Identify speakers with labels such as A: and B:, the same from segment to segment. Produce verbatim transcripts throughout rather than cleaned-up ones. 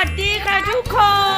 A: สดีค่ะทุกคน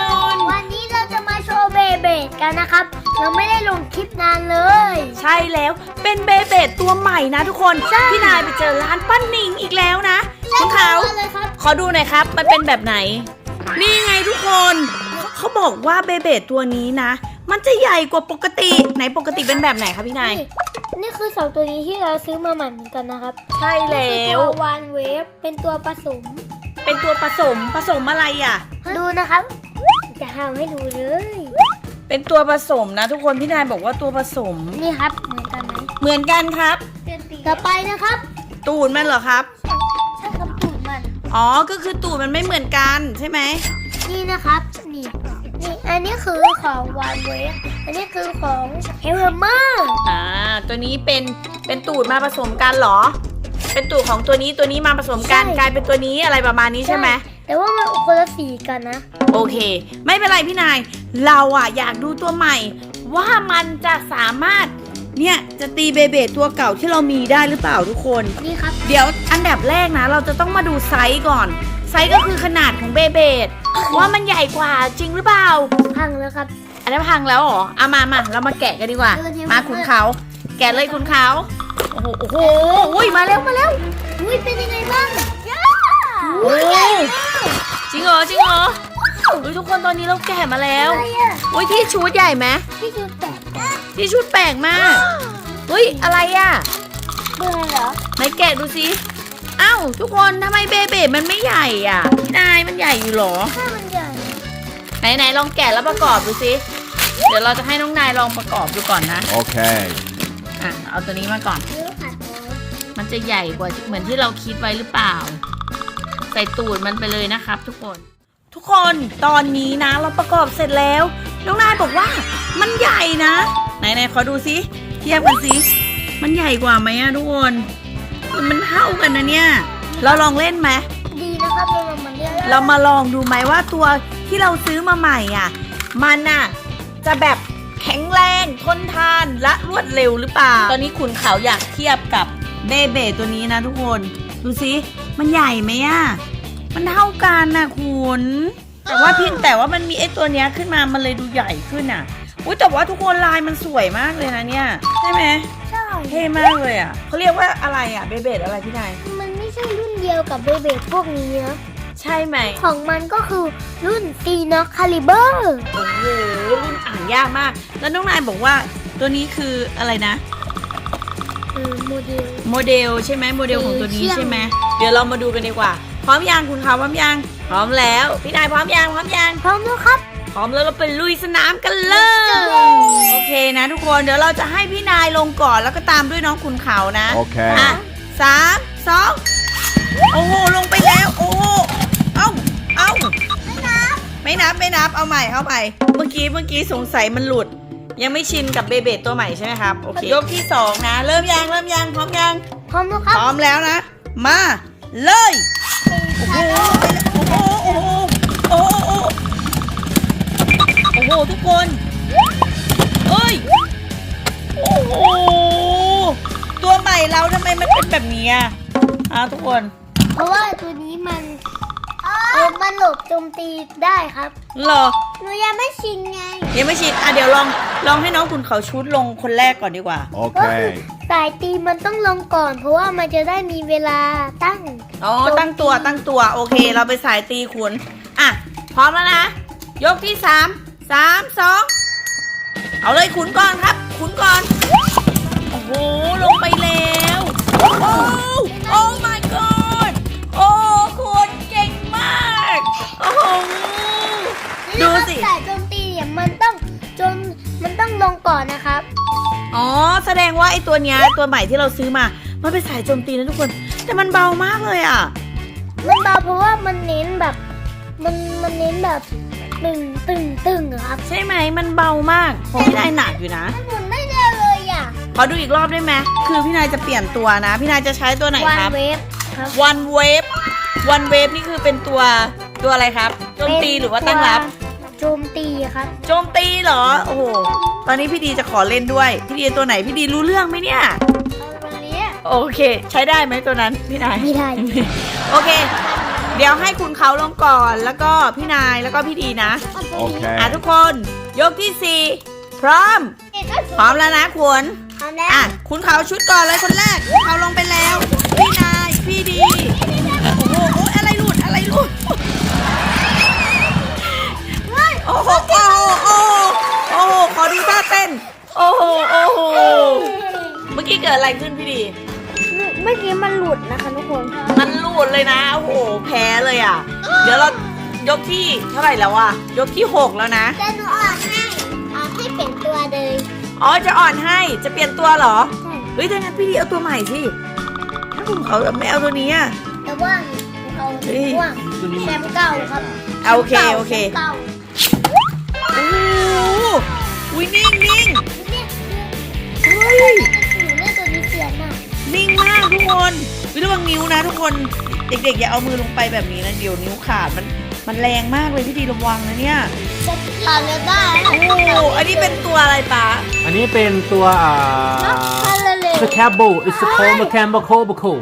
B: วันนี้เราจะมาโชว์เบเบดกันนะครับเราไม่ได้ลงคลิปนานเลย
A: ใช่แล้วเป็นเบเบดตัวใหม่นะทุกคนพี่นายไปเจอร้านป้าหนิงอีกแล้วนะคุณเขาขอดูหน่อยครับมันเป็นแบบไหนนี่ไงทุกคนเขาบอกว่าเบเบดตัวนี้นะมันจะใหญ่กว่าปกติไหนปกติเป็นแบบไหนคะพี่นาย
B: นี่คือสองตัวนี้ที่เราซื้อมาใหม่เหมือนกันนะครับ
A: ใช่แล้ว
B: ตัววานเวฟเป็นตัวผสม
A: เป็นตัวผสมผสมอะไรอ่ะ
B: ดูนะครับจะทำให้ดูเลย
A: เป็นตัวผสมนะทุกคนพี่นายบอกว่าตัวผสม
B: นี่ครับเหมือนกันไหม
A: เหมือนกันครับ
B: ต่อไปนะครับ
A: ตูดมันเหรอครับ
B: ใช่ครับตูดมัน
A: อ๋อก็คือตูดมันไม่เหมือนกันใช่ไหม
B: นี่นะครับนี่นี่อันนี้คือของวานเวฟอันนี้คือของเฮลเมอร์
A: อ่าตัวนี้เป็นเป็นตูดมาผสมกันเหรอเป็นตูดของตัวนี้ตัวนี้มาผสมกันกลายเป็นตัวนี้อะไรประมาณนี้ใช่ไหม
B: แต่ว่ามันคนละสีกันนะ
A: โอเคไม่เป็นไรพี่นายเราอะอยากดูตัวใหม่ ว่ามันจะสามารถเนี่ยจะตีเบเบตัวเก่าที่เรามีได้หรือเปล่าทุกคน
B: นี่ครับ
A: เดี๋ยวอันดับแรกนะเราจะต้องมาดูไซส์ก่อนไซส์ก็คือขนาดของเบเบว่ามันใหญ่กว่าจริงหรือเปล่า
B: พังแล้วครับ
A: อันนี้พังแล้วเหรอเอามามาเรามาแกะกันดีกว่า
B: เออเดี๋ยว
A: มาคุณเขาแกะเลยคุณเขาโอ้โหโอ้โหอุ้ยมาแล้วมาแล้ว
B: อุ้ยเป็นยังไงบ้างย่า
A: โอ้จริงเหรอจริงเหรออุ้ยทุกคนตอนนี้เราแกะมาแล้ว
B: อะไรอะ
A: อุ้ยที่ชุดใหญ่ไหม
B: ที่ดูแปลก
A: ที่ชุดแปลกมากเฮ้ยอะไรอ่ะ
B: เบอร์เหรอ
A: ไหนแกะดูสิอ้าวทุกคนทำไมเบเบมันไม่ใหญ่อ่ะพี่นายมันใหญ่อยู่เหรอ
B: ถ้ามันใหญ่
A: ไหนไหนลองแกะแล้วประกอบดูสิเดี๋ยวเราจะให้น้องนายลองประกอบดูก่อนนะ
C: Okay.
A: อ่ะเอาตัวนี้มาก่อน
B: เยอะค่ะ
A: มันจะใหญ่กว่าเหมือนที่เราคิดไว้หรือเปล่า ใส่ตูดมันไปเลยนะครับทุกคน ทุกคนตอนนี้นะเราประกอบเสร็จแล้วน้องนายบอกว่ามันใหญ่นะไหนไหนขอดูสิเทียบกันสิมันใหญ่กว่าไหมอะทุกคนมันเท่ากันนะเนี่ยเราลองเล่นไหม
B: ดีนะครับเรามันเยอะ
A: เรามาลองดูไหมว่าตัวที่เราซื้อมาใหม่อ่ะมันอ่ะจะแบบแข็งแรงทนทานและรวดเร็วหรือเปล่าตอนนี้ขุนเขาอยากเทียบกับเบเบตัวนี้นะทุกคนดูสิมันใหญ่ไหมอ่ะมันเท่ากันนะคุณแต่ว่าเพียงแต่ว่ามันมีไอ้ตัวเนี้ยขึ้นมามันเลยดูใหญ่ขึ้นอ่ะอุ้ยแต่ว่าทุกคนลายมันสวยมากเลยนะเนี่ยใช่ไหม
B: ใช่
A: เท่มากเลยอ่ะเขาเรียกว่าอะไรอ่ะเบเบอะไรพี่นาย
B: มันไม่ใช่รุ่นเดียวกับเบเบพวกนี้นะ
A: ใช่ไหม
B: ของมันก็คือรุ่นซีน็อกคาลิเบอร์
A: โอ้โหรุ่นอ่านยากมากแล้วน้องนายบอกว่าตัวนี้คืออะไรนะ
B: เออโมเดล
A: โมเดลใช่ไหมโมเดลของตัวนี้
B: เชี่ยง
A: ใช่ไหมเดี๋ยวเรามาดูกันดีกว่าพร้อมยังคุณเขาพร้อมยังพร้อมแล้วพี่นายพร้อมยังพร้อมยัง
B: พร้อมแล้วครับ
A: พร้อมแล้วเราไปลุยสนามกันเลยโอเคนะทุกคนเดี๋ยวเราจะให้พี่นายลงก่อนแล้วก็ตามด้วยน้องคุณเขานะ
C: Okay.
A: อ่ะสามสองโอ้โหลงไปแล้วโอ้โหเอ้าเอ้าไม่นับไม่นับไม่นับเอาใหม่เอาใหม่เมื่อกี้เมื่อกี้สงสัยมันหลุด ยังไม่ชินกับเบเบตัวใหม่ใช่ไหมครับโอเคยกที่สองนะเริ่มยังเริ่มยังพร้อมยัง
B: พร้อมแล้วครับ
A: พร้อมแล้วนะ มาเลยโอ้โหโอ้โหโอ้โหโอ้โหโอ้โหทุกคนเอ้ยโอ้โหตัวใหม่เราทำไมมันเป็นแบบนี้อ่ะอ่ะทุกคน
B: เพราะว่าตัวนี้มันเออมันหลบโจมตีได้ครับ
A: เหรอ
B: หนูยังไม่ชินไง
A: ยังไม่ชินอ่ะเดี๋ยวลองลองให้น้องคุณเขาชุดลงคนแรกก่อนดีกว่า
C: Okay.
B: สายตีมันต้องลงก่อน เพราะว่ามันจะได้มีเวลาตั้ง
A: อ๋อตั้งตัวตั้งตัวโอเค เราไปสายตีขุนอ่ะพร้อมแล้วนะ ยกที่สามสามสองเอาเลยขุนก่อนครับ ขุนก่อนโอ้โหลงไปแล้วโอ้โอ้ my god โอ้คุณเก่งมากโอ้โหดูสิ
B: สายโจมตีเนี่ยมันต้องจนมันต้องลงก่อนนะครับ
A: อ๋อแสดงว่าไอ้ตัวเนี้ยตัวใหม่ที่เราซื้อมามันเป็นสายโจมตีนะทุกคน แต่มันเบามากเลยอ่ะ
B: มันเบาเพราะว่ามันเน้นแบบ มันมันเน้นแบบตึงตึงตึงอะครับ
A: ใช่ไหมมันเบามากของพี่นายหนักอยู่นะ
B: มันหมุนไม่ได้เลยอ่ะ
A: ขอดูอีกรอบได้ไหมคือพี่นายจะเปลี่ยนตัวนะ พี่นายจะใช้ตัวไหน
B: วัน
A: ครับ
B: เวฟครับ
A: one wave one wave นี่คือเป็นตัวตัวอะไรครับโจมตีหรือว่าตั้งรับ
B: โจมตีครับ
A: โจมตีเหรอโอ้โหตอนนี้พี่ดีจะขอเล่นด้วยพี่ดีตัวไหนพี่ดีรู้เรื่องไหมเนี่ย
B: เอาตัวนี้
A: โอเค ใช้ได้ไหมตัวนั้นพี่นาย
B: ไม่ได้
A: โอเคเดี๋ยวให้คุณเขาลงก่อนแล้วก็พี่นายแล้วก็พี่ดีนะ
B: โอเค
A: อ่ะทุกคนยกที่สี่พร้อมพร้อมแล้วนะคุณ
B: พร้อมแล้ว
A: อ่ะคุณเขาชุดก่อนเลยคนแรกคุณเขาลงไปแล้ว พี่นายพี่ดีโอ้โหโอ้ยอะไรหลุดอะไรหลุดโอ้โหโอ้โหโอ้โหโอ้โหขอดูท่าเต้นโอ้โหโอ้โหเมื่อกี้เกิดอะไรขึ้นพี่ดี
B: เมื่อกี้มันหลุดนะคะทุกคน
A: มันหลุดเลยนะโอ้โหแพ้เลยอ่ะเดี๋ยวเรายกที่เท่าไหร่แล้วอ่ะยกที่หกแล้วนะ
B: จะหนูออกให้ออกให้เปลี่ยนตัวเลย
A: อ๋อจะอ่อนให้จะเปลี่ยนตัวเหรอ
B: ใช่
A: เฮ้ยถ้างั้นพี่ดีเอาตัวใหม่สิถ้าคุณเขาไม่เอาตัวนี้อ่ะ
B: แต่ว่าเอา
A: เฮ้ย
B: ว่าแชมป์เก่าครับ
A: เอาโอเคโอเค
B: แชมป์เก่า
A: โอ้โหอุ้ยนิ่งนิ่ง
B: เนี่ย
A: เฮ้ย
B: หนูเล่นตัวนี้เสียนอ่ะ
A: นิ่งมากทุกคนวิระวังนิ้วนะทุกคนเด็กๆอย่าเอามือลงไปแบบนี้นะเดี๋ยวนิ้วขาดมันมันแรงมากเลยพี่ดีระวังนะเนี่ย
B: ตอนเล่นได้
A: โอ้โหอันนี้เป็นตัวอะไรปะ
C: อันนี้เป็นตัวอ่า
B: คาราเล
C: สแคบบู it's a cold mechanical cold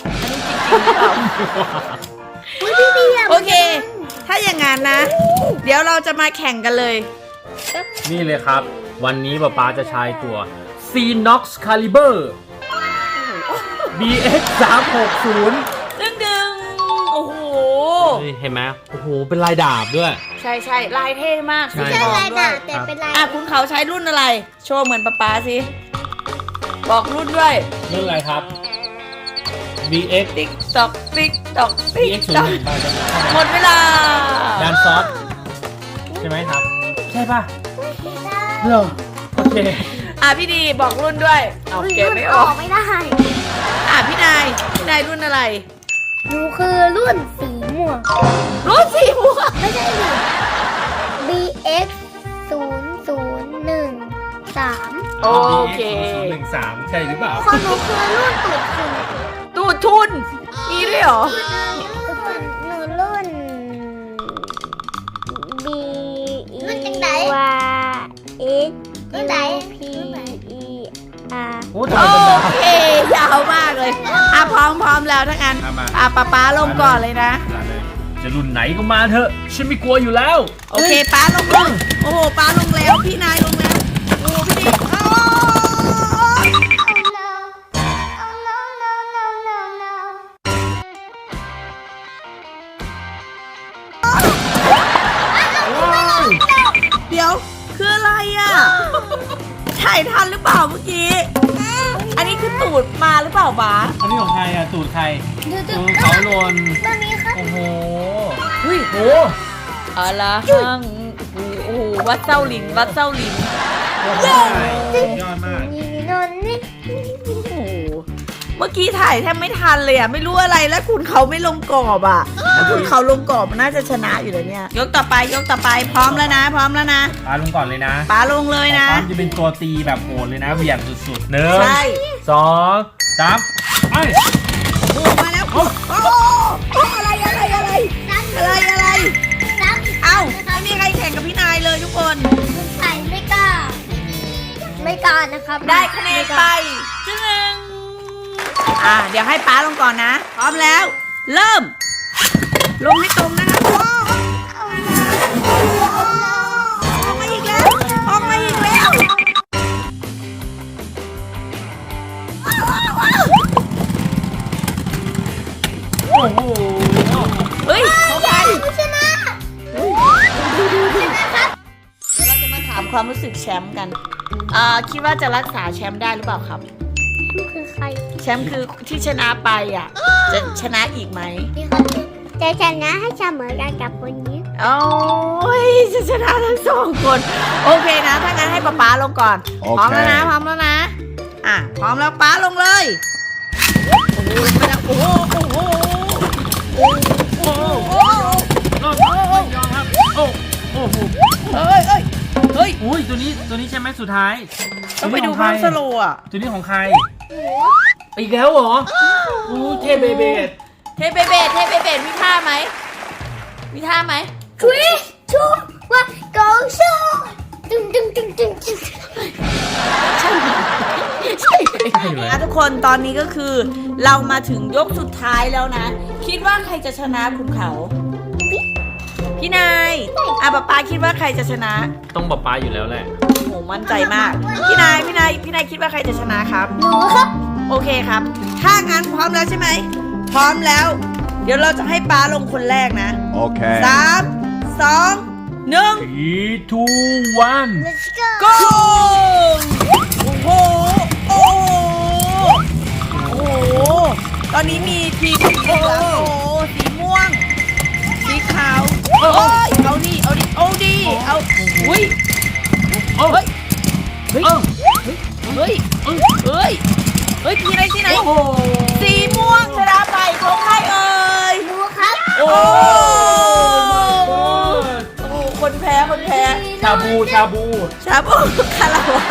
B: พี่ดีอ่ะ
A: โอเค ถ้าอย่างงั้นนะ เดี๋ยวเราจะมาแข่งกันเลย
C: นี่เลยครับ วันนี้ป๊าป๊าจะใช้ตัว Cenox Caliber บี เอ็กซ์ สามหกศูนย์
A: ดึงดึงโอ้โห
C: เห็นไหมโอ้โห เป็นลายดาบด้วย
A: ใช่ใช่ลายเท่มาก
C: ใช่
A: สี
B: ใช่
A: ทอง
B: ลาย
A: ด้ว
B: ด่าย แต่เป็นลาย
A: อ่ะคุณเขาใช้รุ่นอะไร โชว์เหมือนป๊าป๊าสิบอกรุ่นด้วย
C: เรื่องอะไรครับ บี เอ็กซ์
A: ติ๊กตอกติ๊กตอก
C: บี
A: ติ๊ก
C: เอ็กซ์ ศูน
A: ต
C: ย์
A: อก
C: หนึ่งบาทจะ
A: หมดเวลา
C: ดานซอสใช่ไหมครับ ใช่ป่ะเหรอโอเค
A: อ่ะพี่ดีบอกรุ่นด้วยเอาเก็บไม่ออก
B: ไม่ได้
A: อ่ะพี่นายพี่นายรุ่นอะไร
B: หนูคือรุ่นสีม่วง
A: รุ่นสีม่วง
B: ไม่ใช่หนู บี เอ็กซ์ ศูนย์ศูนย์หนึ่งสาม
A: โอเค
C: ศูนย์หนึ่งสามใช่หรือเปล่า
B: ของหนูคือรุ่นตูดคุณ
A: ตูดทุนมีด้วยเหรอ
B: หนูรุ่น B E รุ่นจังไหน Y S U P E R
C: โอ้
A: โอ
C: ทำไมเป็นดาว
A: เคยาวมากเลยอ่ะพร้อมพร้อมแล้วทั้งนั้น
C: อ่ะมา
A: อ่ะป๊าป๊าลงก่อนเลยนะ
C: จะรุ่นไหนก็มาเถอะ ฉันไม่กลัวอยู่แล้ว
A: โอเคป้าลงลงโอ้โหป้าลงแล้วพี่นายลงแล้วโอ้โหพี่ดิโอ้ย
B: Oh no no no no no
A: เดี๋ยวคืออะไรอ่ะถ่ายทันหรือเปล่าเมื่อกี้อันนี้คือตูดมาหรือเปล่าป้า
C: อันนี้ของใครอ่ะ ตูดใคร
B: ดูดู
C: ตูดเขาโลน
B: ตัวนี้ครับ
C: โอ้โห
A: เฮ้ย
C: โห
A: อะไรหังโอ้โหวัดเจ้าหลินวัดเจ้าหลิน
C: ยอดมาก
B: นี่นนนี่
A: โอ้โหเมื่อกี้ถ่ายแทบไม่ทันเลยอ่ะไม่รู้อะไรแล้วคุณเขาไม่ลงกรอบอ่ะถ้าคุณเขาลงกรอบมันน่าจะชนะอยู่แล้วเนี่ยยกต่อไปยกต่อไปพร้อมแล้วนะ พร้อมแล้วนะ
C: ปาลงก่อนเลยนะ
A: ป้าลงเลยนะ
C: ปาจะเป็นตัวตีแบบโหดเลยนะเหวี่ยงสุดๆหนึ่ง
A: ใช่
C: สองสามไป
A: โอ้มาแล้วโอ้โอ้อะไรอะไรอะไรอะไรอะไร
B: ซ้ำ
A: เอ้าไม่มีใครแข่งกับพี่นายเลยทุกคน
B: ใส่ไม่กล้า ไม่กล้านะครับ
A: ได้คะแนนไปจึงอ่าเดี๋ยวให้ป้าลงก่อนนะ พร้อมแล้ว เริ่ม ลงให้ตรงนะคะโอ้ออกมาอีกแล้วออกมาอีกแล้ว
C: โอ้โห
A: เฮ้ยเขาไป
B: ผู้ชนะ
A: เดี๋ยวเราจะมาถามความรู้สึกแชมป์กัน อ่า คิดว่าจะรักษาแชมป์ได้หรือเปล่าครับ
B: นี่คือใคร
A: แชมป์คือที่ชนะไปอ่ะ จะชนะอีกไหม
B: นี่ครับจะชนะให้เสมอกันกับคนนี้
A: โอ้ยจะชนะทั้งสองคน โอเคนะ ถ้างั้นให้ป๊าป๊าลงก่อน
C: โอเค
A: พร้อมแล้วนะ พร้อมแล้วนะ อ่ะ พร้อมแล้วป๊าลงเลย โอ้โหลงไปแล้วโอ้โห โอ้โห โอ้โห
C: โอ้โหยอมครับ โอ้โอ้โห
A: เฮ้ยเฮ้ยเฮ้ย
C: อุ้ยตัวนี้ตัวนี้ใช่ไหมสุดท้าย
A: ต้องไปดู
C: ตัว
A: ภาพ
C: นี้
A: ส
C: ของใคร
A: โลว์อ่ะ
C: ตัวนี้ของใคร อีกแล้วเหรออู้เทเบเบด
A: เทเบเบดเทเบเบดมีท่าไหม มีท่าไหม
B: three two one go show ตึงตึงตึงตึงตึง
A: ใช่ไหมใช่ไหม
C: ใช่เลย
A: อ่ะทุกกคนตอนนี้ก็คือ เรามาถึงยกสุดท้ายแล้วนะ คิดว่าใครจะชนะคุณเขา พี่นายอ่ะป๊าป๊าคิดว่าใครจะชนะ
C: ต้องป๊าป๊าอยู่แล้วแหละ
A: โอ้โหมั่นใจมาก พี่นายพี่นายพี่นายคิดว่าใครจะชนะครับ
B: หนูครับ
A: โอเคครับ ถ้างั้นพร้อมแล้วใช่ไหม พร้อมแล้ว เดี๋ยวเราจะให้ป๊าลงคนแรกนะ
D: Okay.
A: สามสองหนึ่ง
C: three two one
B: let's go
A: go โอ้โห โอ้โห โอ้โห ตอนนี้มีทีมสีเหลืองโอ้โห สีม่วง สีขาวโอ้ยเอาดิ เอาดิ เอาดิ เอาอุ้ย
C: เอ้า
A: เฮ้ย เฮ้ย
C: เอ้า
A: เฮ้ย เฮ้ย เฮ้ย เฮ้ยทีไหนทีไหน
C: โอ้โห
A: สีม่วงชนะไปของใครเอ่ย
B: หนูครับ
A: โอ้โอ้คนแพ้ คนแพ้
C: ชาบูชาบู
A: ชาบูคาราวะ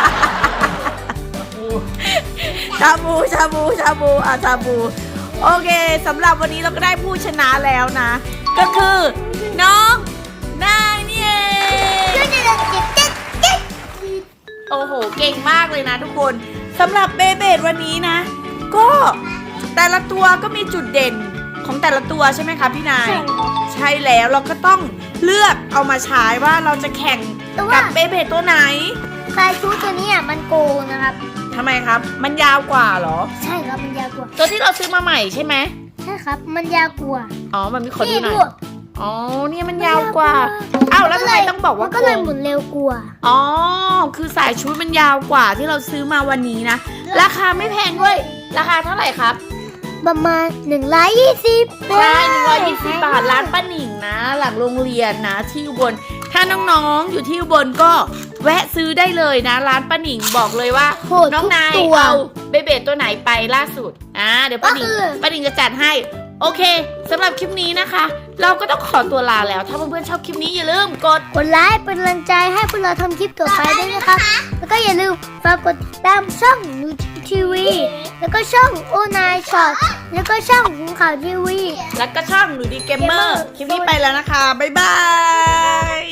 A: ชาบูชาบูชาบูอ่ะชาบู โอเคสำหรับวันนี้เราก็ได้ผู้ชนะแล้วนะ ก็คือน้องนายนี่เองโอ้โห เก่งมากเลยนะทุกคนสำหรับเบเบดวันนี้นะ ก็แต่ละตัวก็มีจุดเด่นของแต่ละตัวใช่ไหมคะพี่นาย ใช่แล้วเราก็ต้องเลือกเอามาใช้ว่าเราจะแข่งกับเบเบดตัวไหน
B: สายชูตัวนี้อ่ะมันโกงนะครับ
A: ทำไมครับ มันยาวกว่าเหรอ
B: ใช่ครับมันยาวกว่า
A: ตัวที่เราซื้อมาใหม่ใช่ไหม
B: ใช่ครับมันยาวกว่า
A: อ๋อ มันมีขอดู
B: นี่
A: หน่
B: ดู
A: อยอ๋อ เนี่ยมันยาวกว่า อ้าวแล้วทำไมต้องบอกว่า
B: ก็เลย
A: โกง
B: หมุนเร็วกว่า
A: อ๋อ คือสายชุดมันยาวกว่าที่เราซื้อมาวันนี้นะ ราคาไม่แพงด้วย ราคาเท่าไหร่ครับ
B: ประมาณหนึ่งร้อยยี่สิบ
A: ใช่หนึ่งร้อยยี่สิบบาทร้านป้าหนิงนะ หลังโรงเรียนนะที่อุบล ถ้าน้องๆอยู่ที่อุบลก็แวะซื้อได้เลยนะ ร้านป้าหนิงบอกเลยว่า
B: โหด
A: น้อง
B: ทุก
A: นาย
B: ตัว
A: เอาเบเบตัวไหนไปล่าสุด อ่า เดี๋ยวป้าหนิง
B: ก็คือ
A: ป้าหนิงจะจัดให้ โอเคสำหรับคลิปนี้นะคะ เราก็ต้องขอตัวลาแล้ว ถ้าเพื่อนๆชอบคลิปนี้อย่าลืมกด
B: กดไลค์เป็นกำลังใจให้พวกเราทำคลิปต่อไปด้วยนะครับ แล้วก็อย่าลืมฝากกดติดตามช่องนูทีวี แล้วก็ช่องโอนายช็อต แล้วก็ช่องขุนข่าวทีวี
A: แล้วก็ช่องหนูดีเกมเมอร์ คลิปนี้ไปแล้วนะคะ บ๊ายบาย